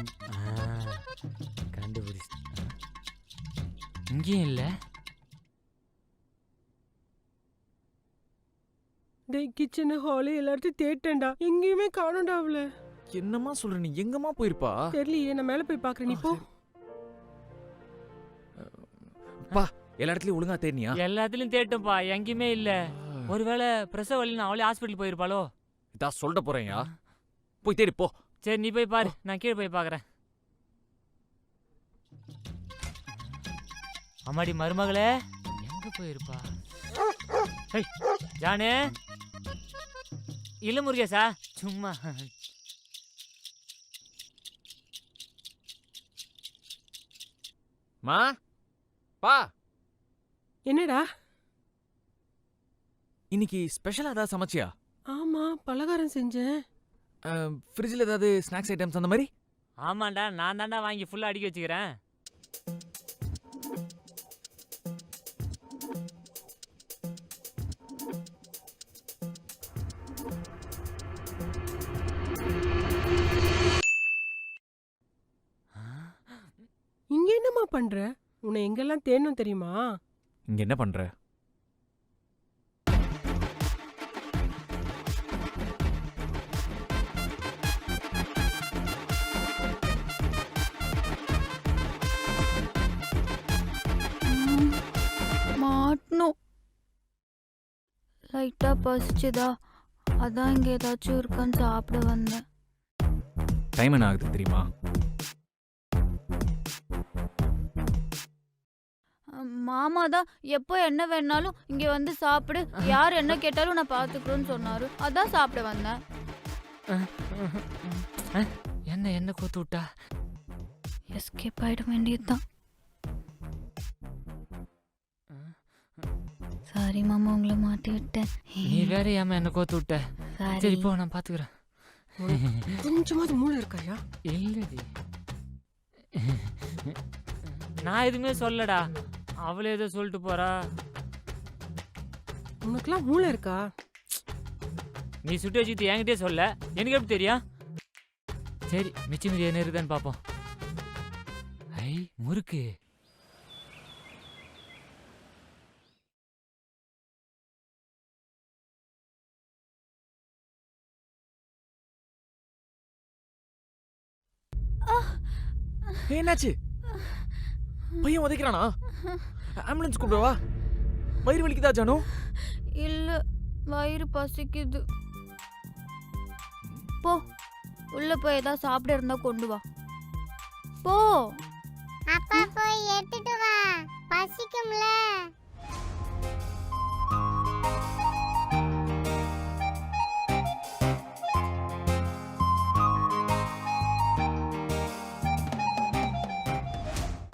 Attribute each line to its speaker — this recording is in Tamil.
Speaker 1: கண்டுபிடிச்சு இங்கேயும் இல்லை.
Speaker 2: டேய் கிச்சன் ஹாலு எல்லாத்தையும் தேட்டேன்டா, எங்கேயுமே காணோம்டா அவள.
Speaker 3: என்னம்மா சொல்ற நீ? எங்கம்மா போயிருப்பா?
Speaker 2: தெரியலையே, நான் மேல போய் பாக்குறேன், நீ போ.
Speaker 3: பா, எல்லா இடத்துலயும் ஒழுங்கா தேடினியா?
Speaker 1: எல்லாத்துலயும் தேட்டோம்ப்பா, எங்கேயுமே இல்லை. ஒருவேளை பிரசவ வலின்னு அவளே ஹாஸ்பிட்டல் போயிருப்பாளோ?
Speaker 3: இதா சொல்லிட்டு போறேன்யா, போய் தேடி போ.
Speaker 1: சரி நீ போய் பாரு, நான் கீழே போய் பார்க்குறேன். அம்மாடி மருமகளே, எங்க போயிருப்பா? ஜானு இல்ல முருகேசா, சும்மா.
Speaker 3: மா பா,
Speaker 2: என்னடா
Speaker 3: இன்னைக்கு ஸ்பெஷலா ஏதாவது சமைச்சியா?
Speaker 2: ஆமா, பலகாரம் செஞ்சேன்.
Speaker 3: ஃப்ரிட்ஜில் ஏதாவது ஸ்நாக்ஸ் ஐட்டம்ஸ் அந்த மாதிரி?
Speaker 1: ஆமாண்டா, நான் தாண்டா வாங்கி ஃபுல்லா அடிக்க வச்சுக்கிறேன்.
Speaker 2: இங்க என்னம்மா பண்ற? உன்னை எங்கெல்லாம் தேடணும் தெரியுமா?
Speaker 3: இங்க என்ன பண்ற?
Speaker 4: மாட்டணும். லைட்டா பசிச்சுதா, அதான் இங்க ஏதாச்சும் இருக்கான்னு சாப்பிட வந்தேன்.
Speaker 3: டைம் என்ன ஆகுது தெரியுமா?
Speaker 4: மாமா தான் எப்போ என்ன வேணாலும் இங்க வந்து சாப்பிடு, யார் என்ன கேட்டாலும் நான் பாத்துக்கிறேன்னு சொன்னாரு, அதான் சாப்பிட வந்தேன்.
Speaker 1: என்ன என்ன கோத்து விட்டா?
Speaker 4: எஸ்கேப் ஆயிட வேண்டியதுதான். சாரி மாமா, உங்களை மாட்டி விட்டேன்.
Speaker 1: நீ வேற ஏமா என்ன கோத்து விட்ட? சரி போ, நான் பாத்துக்கிறேன்.
Speaker 2: கொஞ்சமாவது மூளை இருக்காயா?
Speaker 1: இல்லடி, நான் எதுவுமே சொல்லடா, அவளே ஏதோ சொல்லிட்டு போறா.
Speaker 2: உனக்குலாம் மூளை இருக்கா?
Speaker 1: நீ சுட்டு வச்சுட்டு என்கிட்டே சொல்ல, எனக்கு எப்படி தெரியும்? சரி, மிச்சம் மீதி என்ன இருக்குதான்னு பார்ப்போம். ஐ முறுக்கு.
Speaker 3: என்னாச்சு? பையன் உதைக்கிறானா? ஆம்புலன்ஸ் கூப்பிடவா? வயிறு வலிக்குதா ஜானு?
Speaker 4: இல்ல, வயிறு பசிக்குது. போ, உள்ள போய் ஏதாவது சாப்பிட இருந்தா கொண்டு வா. போ.
Speaker 5: அப்பா போய் எடுத்துட்டு வா.